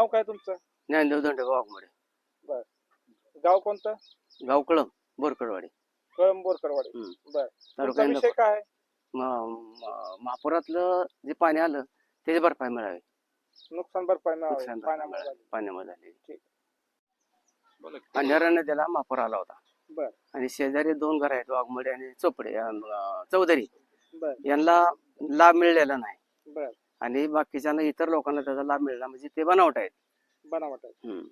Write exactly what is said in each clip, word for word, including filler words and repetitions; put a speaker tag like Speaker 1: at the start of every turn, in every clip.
Speaker 1: काय तुमचं?
Speaker 2: ज्ञानदेव धोंडे वाघमोडे.
Speaker 1: बर. गाव कोणतं?
Speaker 2: गाव कळम बोरकडवाडी.
Speaker 1: कळंब बोरकरवाडी.
Speaker 2: हम्म.
Speaker 1: बर.
Speaker 2: तालुका
Speaker 1: तुमचा विषय काय आहे?
Speaker 2: म- म- महापुरातलं जे पाणी आलं त्याची भरपाई मिळावी.
Speaker 1: नुकसान भरपाई मिळावी
Speaker 2: नुकसान भरपाई
Speaker 1: पाण्यामुळे
Speaker 2: मिळावी.
Speaker 1: झाली.
Speaker 2: पाण्यामुळे झाली.
Speaker 1: ठीक.
Speaker 2: अंधारा नदीला महापूर आला होता.
Speaker 1: बर.
Speaker 2: आणि शेजारी दोन घर आहेत वाघमोडे आणि चोपडे अं, चौधरी.
Speaker 1: बर.
Speaker 2: यांना लाभ मिळालेला नाही
Speaker 1: बर.
Speaker 2: आणि बाकीच्यांना इतर लोकांना त्याचा लाभ मिळाला म्हणजे ते बनावट आहेत.
Speaker 1: बनावट आहे.
Speaker 2: हम्म.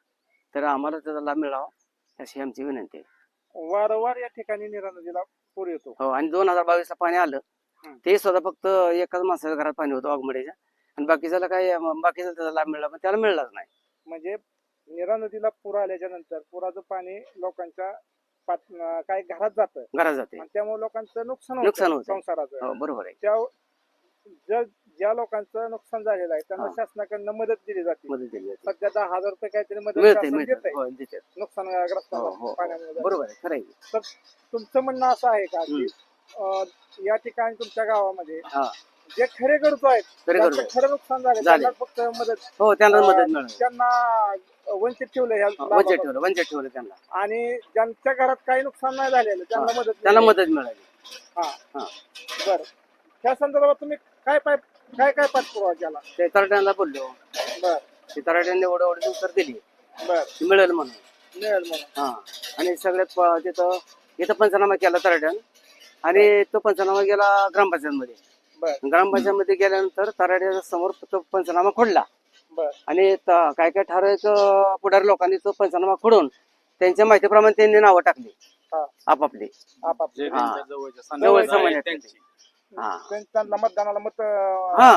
Speaker 2: तर आम्हाला त्याचा लाभ मिळावा अशी आमची विनंती आहे.
Speaker 1: वारंवार या ठिकाणी नीरा नदीला पूर येतो.
Speaker 2: हो. आणि दोन हजार बावीस ला पाणी आलं
Speaker 1: हम्म.
Speaker 2: ते सुद्धा फक्त एकाच माणसाच्या घरात पाणी होतं वाघमोडेच्या आणि बाकीच्याला काय बाकीचा त्याचा लाभ मिळाला पण त्याला मिळालाच नाही.
Speaker 1: म्हणजे नीरा नदीला पूर आल्याच्या नंतर पुराचं पाणी लोकांच्या पात- अं, काही घरात जातं
Speaker 2: घरात जाते.
Speaker 1: आणि त्यामुळे लोकांचं नुकसान
Speaker 2: नुकसान
Speaker 1: होतं
Speaker 2: होतं.
Speaker 1: संसाराचं.
Speaker 2: हो बरोबर आहे.
Speaker 1: त्या ज्या ज्या लोकांचं नुकसान झालेलं आहे त्यांना
Speaker 2: हा.
Speaker 1: शासनाकडनं मदत दिली जाते.
Speaker 2: मदत दिली जाते.
Speaker 1: सध्या दहा हजार रुपये काहीतरी मदत
Speaker 2: मिळते
Speaker 1: शासन
Speaker 2: मिळते.
Speaker 1: देतंय
Speaker 2: हो देते. हो
Speaker 1: नुकसानग्रस्तांना
Speaker 2: हो
Speaker 1: पाण्यामुळे झालेलं.
Speaker 2: बरोबर आहे. खरं आहे.
Speaker 1: तर तुमचं म्हणणं असं आहे का की अं, या ठिकाणी तुमच्या गावामध्ये
Speaker 2: हा
Speaker 1: जे खरे गरजू आहेत
Speaker 2: खरे
Speaker 1: ज्यांचं
Speaker 2: गरजू.
Speaker 1: खरं नुकसान झालं
Speaker 2: झाले.
Speaker 1: त्यांना फक्त मदत
Speaker 2: हो त्यांना
Speaker 1: अं,
Speaker 2: मदत मिळाली.
Speaker 1: त्यांना वंचित ठेवलं ह्या
Speaker 2: वंचित
Speaker 1: लाभापासून.
Speaker 2: ठेवलं वंचित ठेवलं त्यांना.
Speaker 1: आणि ज्यांच्या घरात काही नुकसान नाही झालेलं त्यांना
Speaker 2: हा.
Speaker 1: मदत
Speaker 2: त्यांना
Speaker 1: मिळाली.
Speaker 2: मदत मिळाली.
Speaker 1: हा.
Speaker 2: हा.
Speaker 1: बर. त्या संदर्भात तुम्ही काय पाय काय काय पाठपुरावा केला?
Speaker 2: ते तराट्यांना बोललो.
Speaker 1: बर.
Speaker 2: ते तराट्यांनी एवढं एवढं उत्तर दिली
Speaker 1: बर.
Speaker 2: मिळेल म्हणून.
Speaker 1: मिळेल म्हणून.
Speaker 2: हा. आणि सगळ्यात प- तिथं इथं पंचनामा केला तराट्यान आणि तो पंचनामा गेला ग्रामपंचायतमध्ये.
Speaker 1: बर.
Speaker 2: ग्रामपंचायतमध्ये गेल्यानंतर तराट्याच्या समोर तो पंचनामा खोडला
Speaker 1: बर.
Speaker 2: आणि त- काय काय ठराविक अं, पुढारी लोकांनी तो पंचनामा खोडून त्यांच्या माहितीप्रमाणे त्यांनी नावं टाकली
Speaker 1: हा.
Speaker 2: आपापली.
Speaker 1: आपापले.
Speaker 2: हा.
Speaker 3: जवळच्या
Speaker 2: जवळ
Speaker 3: समाजात
Speaker 2: समाजात
Speaker 3: त्यांची.
Speaker 2: हा.
Speaker 1: त्यां- त्यांना मतदानाला मत
Speaker 2: हा.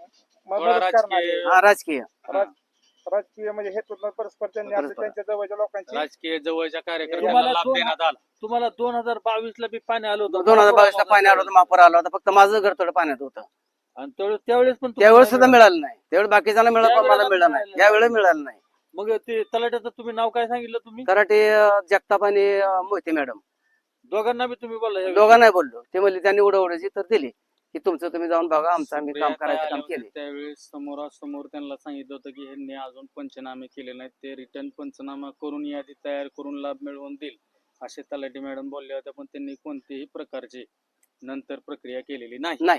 Speaker 1: मदत
Speaker 3: राजकीय-
Speaker 1: करणारे
Speaker 2: हा राजकीय.
Speaker 1: राज- राजकीय म्हणजे हेतून परस्पर त्यांनी असं
Speaker 2: परस्पर.
Speaker 1: त्यांच्या जवळच्या लोकांची
Speaker 3: राजकीय जवळच्या कार्यकर्त्यांना
Speaker 4: तुम्हाला
Speaker 3: लाभ
Speaker 4: दोन-
Speaker 3: देण्यात आला.
Speaker 4: तुम्हाला दोन हजार बावीस ला बी पाणी आलं होतं.
Speaker 2: दोन हजार बावीस ला पाणी आलं होतं महापूर आला होता फक्त माझं घर थोडं पाण्यात होतं.
Speaker 4: आणि त्यावेळेस त्यावेळेस पण तुम्हाला
Speaker 2: त्यावेळेस सुद्धा मिळालं नाही. त्यावेळेस बाकीच्याला मिळालं पण मला
Speaker 4: त्यावेळेला
Speaker 2: मिळालं नाही.
Speaker 4: मिळालं
Speaker 2: यावेळेस मिळालं नाही.
Speaker 4: मग ते तलाट्याचं तुम्ही नाव काय सांगितलं तुम्ही?
Speaker 2: कराटे अं, जगताप आणि अं, मोहिते मॅडम
Speaker 4: दोघांना बी तुम्ही बोला याविषयी.
Speaker 2: दोघांना नाही बोललो. ते म्हणले त्यांनी उडवण्याची तर दिली की तुमचं तुम्ही जाऊन बघा आमचं आम्ही काम
Speaker 3: सुप्रिया ताई
Speaker 2: करायचं
Speaker 3: आल्या
Speaker 2: काम
Speaker 3: होत्या
Speaker 2: केले.
Speaker 3: त्यावेळेस समोरासमोर त्यांना सांगितलं होतं की ह्यांनी अजून पंचनामे केले नाहीत, ते रिटर्न पंचनामा करून यादी तयार करून लाभ मिळवून देईल असे तलाठी मॅडम बोलल्या होत्या, पण त्यांनी कोणतीही प्रकारची नंतर प्रक्रिया केलेली नाही.
Speaker 2: नाही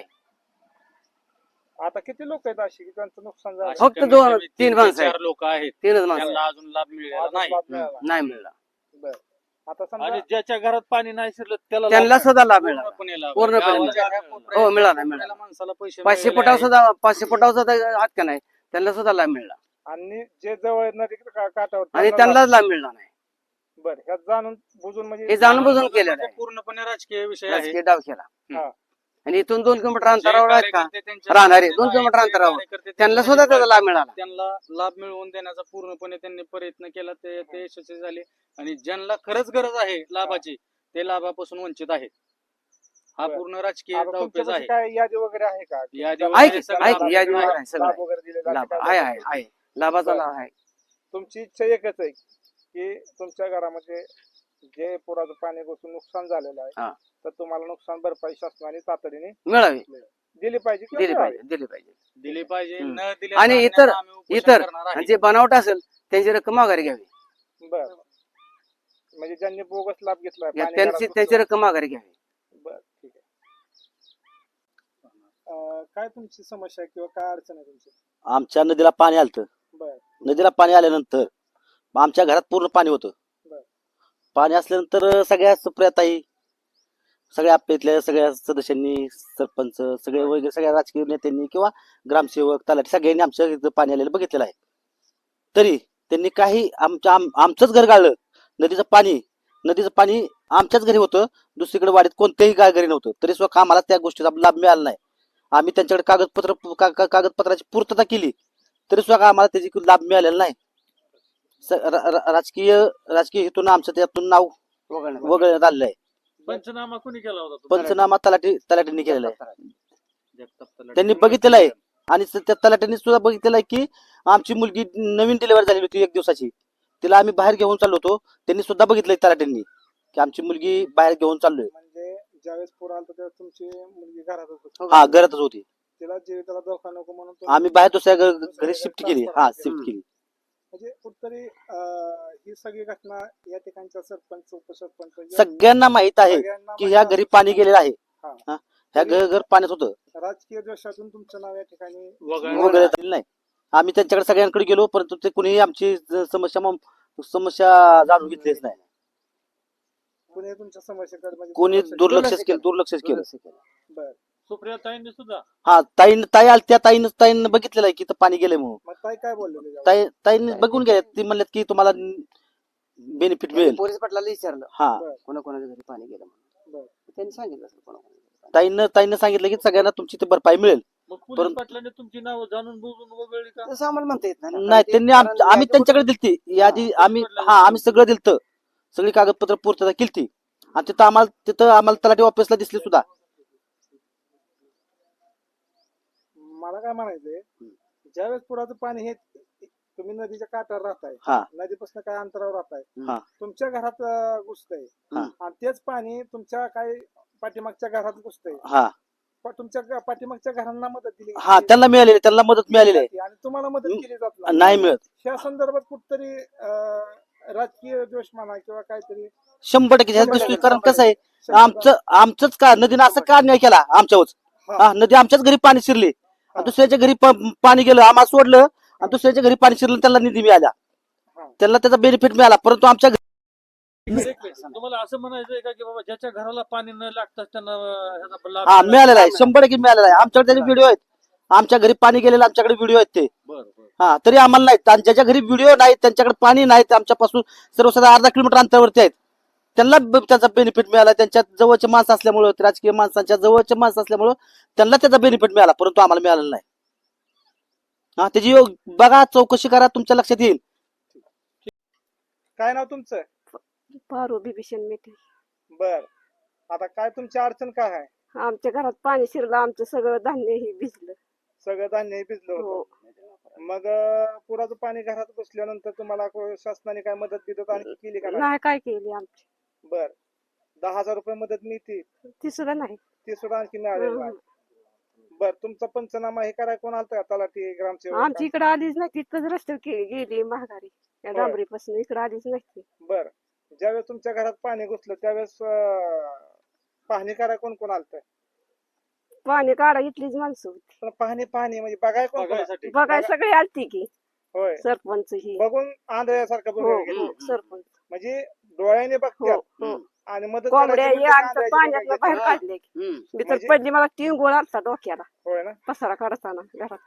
Speaker 1: आता किती लोक आहेत अशी की त्यांचं नुकसान झालं
Speaker 3: अशी
Speaker 2: फक्त
Speaker 3: कमीत
Speaker 2: दोन-
Speaker 3: कमी
Speaker 2: तीन
Speaker 3: ते
Speaker 2: माणसं आहेत.
Speaker 3: चार लोक आहेत
Speaker 2: तीनच माणसं
Speaker 3: त्यांना
Speaker 2: आहेत.
Speaker 3: अजून लाभ मिळाला
Speaker 1: अजून
Speaker 3: नाही.
Speaker 1: लाभ
Speaker 2: हम्म,
Speaker 1: मिळाला.
Speaker 2: नाही मिळाला.
Speaker 1: बर. आता
Speaker 4: आणि
Speaker 1: समजा
Speaker 4: ज्याच्या घरात पाणी नाही शिरलं त्याला
Speaker 2: त्यांना
Speaker 4: लाभ
Speaker 2: सुद्धा लाभ मिळाला.
Speaker 3: पूर्णपणे लाभ.
Speaker 2: पूर्णपणे
Speaker 3: गावाच्या
Speaker 4: मिळाला.
Speaker 3: ह्या कोपऱ्यात
Speaker 2: हो, मिळाला,
Speaker 3: कोपऱ्याला
Speaker 2: मिळाला.
Speaker 3: माणसाला पैसे
Speaker 2: पाचशे
Speaker 3: मिळालेले
Speaker 2: फुटावर
Speaker 3: आहेत.
Speaker 2: सुद्धा पाचशे फुटावर सुद्धा हात का नाही त्यांना सुद्धा लाभ मिळाला
Speaker 1: आणि जे जवळ नदी का- काठावर
Speaker 2: आणि
Speaker 1: त्यांना
Speaker 2: त्यांनाच लाभ मिळाला नाही.
Speaker 1: लाभ- बर. ह्यात जाणून बुजून म्हणजे
Speaker 2: हे जाणून बुजून
Speaker 3: जाणून
Speaker 2: केलेलं
Speaker 3: बुजून
Speaker 2: आहे.
Speaker 3: पूर्णपणे राजकीय विषय आहे.
Speaker 2: राजकीय डाव केला.
Speaker 1: हा.
Speaker 2: आणि इथून दोन किलोमीटर
Speaker 3: जे
Speaker 2: अंतरावर आहेत का
Speaker 3: कार्यकर्ते त्यांच्या
Speaker 2: राहणारे
Speaker 3: सोबत
Speaker 2: दोन
Speaker 3: आहेत,
Speaker 2: किलोमीटर
Speaker 3: जे
Speaker 2: अंतरावर
Speaker 3: कार्यकर्ते
Speaker 2: त्यांना
Speaker 3: त्यांच्या
Speaker 2: सुद्धा त्याचा
Speaker 3: सोबत
Speaker 2: लाभ मिळाला.
Speaker 3: त्यांना लाभ मिळवून देण्याचा पूर्णपणे त्यांनी प्रयत्न केला, ते ते यशस्वी झाले. आणि ज्यांना खरंच गरज आहे लाभाची ते लाभापासून वंचित आहेत. हा
Speaker 1: बरं.
Speaker 3: पूर्ण राजकीय
Speaker 1: आता
Speaker 3: डावपेच
Speaker 1: तुमच्यापाशी
Speaker 3: आहे.
Speaker 1: काय यादी वगैरे आहे का
Speaker 3: यादी
Speaker 1: लाभ-
Speaker 3: वगैरे
Speaker 2: आहे की-
Speaker 3: सगळं
Speaker 2: आहे की
Speaker 3: लाभ
Speaker 2: यादी
Speaker 3: आहे.
Speaker 2: वगैरे आहे, सगळं
Speaker 1: लाभ
Speaker 2: आहे.
Speaker 1: वगैरे दिले जाते
Speaker 2: लाभ
Speaker 1: का?
Speaker 2: आहे आहे आहे लाभाचा
Speaker 1: बरं.
Speaker 2: लाभ आहे.
Speaker 1: तुमची इच्छा एकच आहे की तुमच्या घरामध्ये जे पुराचं पाणी घुसून नुकसान झालेलं
Speaker 2: हा.
Speaker 1: आहे तर तुम्हाला नुकसान भरपाई शासनाने तातडीने
Speaker 2: मिळावी
Speaker 1: दिली पाहिजे किंवा
Speaker 2: दिली
Speaker 1: मिळावी.
Speaker 2: पाहिजे दिली पाहिजे.
Speaker 3: दिली पाहिजे.
Speaker 2: हम्म.
Speaker 3: न दिल्या
Speaker 2: आणि
Speaker 3: कारणाने
Speaker 2: इतर-
Speaker 3: आम्ही उपोषण
Speaker 2: इतर
Speaker 3: करणार
Speaker 2: आणि
Speaker 3: आहे.
Speaker 2: जे बनावट असेल त्यांची रक्कम माघारी घ्यावी.
Speaker 1: बर. म्हणजे ज्यांनी बोगस लाभ घेतलाय
Speaker 2: या
Speaker 1: पाणी
Speaker 2: त्यांची
Speaker 1: घरात
Speaker 2: त्यांची रक्कम माघारी घ्यावी.
Speaker 1: घुसून- बर ठीक आहे. अं, काय तुमची समस्या आहे किंवा काय अडचण आहे तुमची?
Speaker 5: आमच्या नदीला पाणी आलतं.
Speaker 1: बर.
Speaker 5: नदीला पाणी आल्यानंतर आमच्या घरात पूर्ण पाणी होतं.
Speaker 1: बर.
Speaker 5: पाणी असल्यानंतर सगळ्या सुप्रियाताई सगळ्या आपल्या इथल्या सगळ्या सदस्यांनी सरपंच सगळे वगैरे सगळ्या राजकीय नेत्यांनी किंवा ग्रामसेवक तलाठी सगळ्यांनी आमच्या इथं पाणी आलेलं बघितलेलं आहे. तरी त्यांनी काही आमच्या आम- आमचंच घर गाळलं. नदीचं पाणी नदीचं पाणी आमच्याच घरी होतं. दुसरीकडे वाडीत कोणत्याही गा- घरी नव्हतं. तरी सुद्धा आम्हाला त्या गोष्टीचा लाभ मिळाला नाही. आम्ही त्यांच्याकडे कागदपत्र का- का- कागदपत्राची पूर्तता केली तरी सुद्धा आम्हाला त्याची लाभ मिळालेला नाही. स- रा- रा- राजकीय राजकीय हेतून आमचं त्यातून नाव
Speaker 2: वगळण्यात.
Speaker 5: वगळण्यात आलेलं आहे.
Speaker 4: पंचनामा कोणी केला होता तो?
Speaker 5: पंचनामा तलाठी तलाठींनी केलेला आहे.
Speaker 3: जगताप तलाठी.
Speaker 5: त्यांनी बघितलेलं आहे. आणि स- त्या तलाठ्यांनी सुद्धा बघितलेलं आहे की आमची मुलगी नवीन डिलिव्हरी झालेली होती एक दिवसाची. तिला आम्ही बाहेर घेऊन चाललो होतो. त्यांनी सुद्धा बघितलंय तलाठ्यांनी की आमची मुलगी बाहेर घेऊन चाललोय.
Speaker 1: म्हणजे ज्यावेळेस पूर आला त्यावेळेस तुमची मुलगी घरातच होती.
Speaker 5: हा घरातच होती.
Speaker 1: तिला जीविताला धोका नको म्हणून तुम्ही
Speaker 5: आम्ही बाहेर दुसऱ्या घ- घरी शिफ्ट केली. हा शिफ्ट
Speaker 2: हम्म.
Speaker 5: केली.
Speaker 1: म्हणजे कुठतरी अं, ही सगळी घटना या ठिकाणच्या सरपंच उपसरपंच या
Speaker 5: सगळ्यांना माहित आहे
Speaker 1: सगळ्यांना
Speaker 5: की ह्या
Speaker 1: माहित
Speaker 5: घरी पाणी गेलेलं आहे
Speaker 1: हा.
Speaker 5: हा. ह्या घर घर पाण्यात होतं
Speaker 1: आहे. राजकीय द्वेषातून तुमचं नाव या ठिकाणी
Speaker 4: वगळलं
Speaker 5: वगैरे झालेलं नाही. आम्ही त्यांच्याकडे सगळ्यांकडे गेलो परंतु ते कुणीही आमची ज- समस्या म- समस्या जाणून घेतलीच नाही.
Speaker 1: कोणी तुमच्या समस्येकडे म्हणजे
Speaker 5: कोणी
Speaker 1: दुर्लक्ष
Speaker 5: दुर्लक्ष केलं दुर्लक्षच केलं.
Speaker 1: बर
Speaker 4: सुप्रिया ताईंनी सुद्धा
Speaker 5: हा ताईन ताई आल त्या ताईन ताईनं बघितलेलं आहे की इथं पाणी गेलंय म्हणून.
Speaker 1: मग ताई काय बोललेले यावर?
Speaker 5: ताई ताईंनी बघून गेले ती म्हणल्यात की तुम्हाला बेनिफिट मिळेल.
Speaker 2: पोलीस पाटलाला विचारलं
Speaker 5: हा
Speaker 2: कोणाकोणाच्या घरी पाणी गेलं म्हणून
Speaker 1: बरं.
Speaker 2: त्यांनी सांगितलं असेल कोणाकोणाच्या घरी पाणी.
Speaker 5: ताईनं ताईनं सांगितलं की सगळ्यांना तुमची ते भरपाई मिळेल.
Speaker 4: मग पोलीस
Speaker 5: परंतु-
Speaker 4: पाटलांनी तुमची नाव जाणून बुजून वगळली का
Speaker 2: तसं आम्हाला म्हणता येत नाही ना.
Speaker 5: नाही
Speaker 2: कारण ते-
Speaker 5: त्यांनी आम-
Speaker 2: कारण
Speaker 5: आम्ही
Speaker 2: यादी
Speaker 5: त्यांच्याकडे दिलती यादी आम्ही हा आम्ही सगळं दिलतं सगळी कागदपत्र पूर्तता केलती आणि तिथं आम्हाला तिथं आम्हाला तलाठी ऑफिसला दिसली सुद्धा.
Speaker 1: मला काय म्हणायचंय ज्यावेळेस पुराचं पाणी हे तुम्ही नदीच्या काठावर राहताय
Speaker 5: हा.
Speaker 1: नदीपासून काय अंतरावर राहताय
Speaker 5: हा.
Speaker 1: तुमच्या घरात अं, घुसतंय
Speaker 5: हा.
Speaker 1: आणि तेच पाणी तुमच्या काही पाठीमागच्या घरात घुसतंय
Speaker 5: हा
Speaker 1: पण तुमच्या ग- पाठीमागच्या घरांना मदत दिली
Speaker 5: हा त्यांना मिळालेली त्यांना मदत मिळालेली आहे.
Speaker 1: आणि तुम्हाला मदत
Speaker 5: हम्म.
Speaker 1: केली जात नाही
Speaker 5: नाही मिळत
Speaker 1: त्या संदर्भात कुठतरी अं, राजकीय द्वेष म्हणा किंवा काहीतरी
Speaker 5: शंभर टक्के ह्यात
Speaker 1: शंभर
Speaker 5: दिसतोय.
Speaker 1: टक्के,
Speaker 5: कारण
Speaker 1: शंभर
Speaker 5: कसं आहे
Speaker 1: शंभर
Speaker 5: आमचं आमचंच का नदीनं असं का अन्याय केला आमच्यावर.
Speaker 1: हा.
Speaker 5: हा नदी आमच्याच घरी पाणी शिरली आणि दुसऱ्याच्या घरी प- पाणी गेलं आम्हाला सोडलं आणि दुसऱ्याच्या घरी पाणी शिरलं त्यांना निधी मिळाला
Speaker 1: हा.
Speaker 5: त्यांना त्याचा बेनिफिट मिळाला परंतु आमच्या घरी
Speaker 4: तुम्हाला असं म्हणायचंय का की बाबा ज्याच्या घराला पाणी न लागताच त्यांना अं, ह्याचा लाभ
Speaker 5: हा
Speaker 4: मिळाला?
Speaker 5: मिळालेला आहे शंभर टक्के मिळालेला आहे. आमच्याकडे त्याचे व्हिडिओ आहेत आमच्या घरी पाणी गेलेलं आमच्याकडे व्हिडिओ आहेत ते.
Speaker 4: बरं बरं
Speaker 5: हा तरी आम्हाला नाहीत आणि ज्याच्या घरी व्हिडिओ नाही त्यांच्याकडे पाणी नाही ते आमच्यापासून सर्वसाधारण अर्धा किलोमीटर अंतरावरती आहेत त्यांना ब- त्याचा बेनिफिट मिळाला. त्यांच्या जवळचे माणसं असल्यामुळं राजकीय माणसांच्या जवळचे माणसं असल्यामुळं त्यांना त्याचा बेनिफिट मिळाला परंतु आम्हाला मिळालेला नाही. हा त्याची योग- बघा चौकशी करा तुमच्या लक्षात येईल.
Speaker 1: काय नाव तुमचं
Speaker 6: पारू बिभीषण मेटे.
Speaker 1: बर आता काय तुमची अडचण काय आहे
Speaker 6: आमच्या घरात पाणी शिरलं आमचं सगळं धान्य हे भिजलं.
Speaker 1: सगळं धान्य भिजलं
Speaker 6: हो
Speaker 1: होतं मग अं, पुराचं पाणी घरात घुसल्यानंतर तुम्हाला को- शासनाने काय मदत बिदत आणखी केली का नाही?
Speaker 6: नाही काय केली आमची
Speaker 1: बर दहा हजार रुपये मदत मिळते
Speaker 6: ती सुद्धा नाही.
Speaker 1: ती सुद्धा आणखी मिळालेली
Speaker 6: हं,
Speaker 1: नाही
Speaker 6: हं.
Speaker 1: बर तुमचा पंचनामा हे कराय कोण आलता तलाठी ग्रामसेवक
Speaker 6: आमची इकडे आलीच नाही तिथंच रस्त्यावर के- गेली महागारी या
Speaker 1: होय.
Speaker 6: डांबरीपासून इकडे आलीच नाही ती.
Speaker 1: बर ज्यावेळेस तुमच्या घरात पाणी घुसलं त्यावेळेस अं, पाहणी कराय कोण कोण आलत
Speaker 6: पाणी काढा इथलीच माणसं होती.
Speaker 1: पण पाहणी पाहणी म्हणजे बघाय कोण कोण आलतं?
Speaker 4: बघायसाठी
Speaker 6: बघाय सगळे आलती की
Speaker 1: होय
Speaker 6: सरपंच ही
Speaker 1: बघून आंधळ्यासारखं
Speaker 6: हो
Speaker 1: बघून गेले
Speaker 6: हो सरपंच
Speaker 1: म्हणजे डोळ्याने
Speaker 6: हो
Speaker 1: बघतात
Speaker 6: हो
Speaker 1: आणि मदत
Speaker 6: कोंबड्या
Speaker 1: करायची
Speaker 6: हे
Speaker 1: म्हणजे
Speaker 6: आमच्या
Speaker 1: आंधळ्याची
Speaker 6: पाण्यात
Speaker 1: बघायची.
Speaker 6: बाहेर
Speaker 2: हा.
Speaker 6: काढले की.
Speaker 2: हम्म.
Speaker 6: मी तर
Speaker 1: म्हणजे-
Speaker 6: पडली मला तीन गोळ आलता डोक्याला
Speaker 1: होय ना
Speaker 6: पसारा काढताना घरात.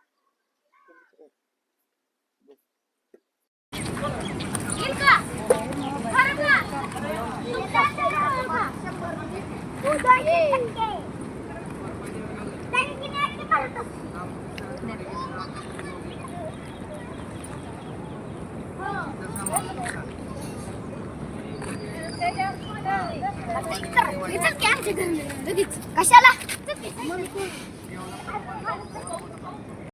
Speaker 7: कशाला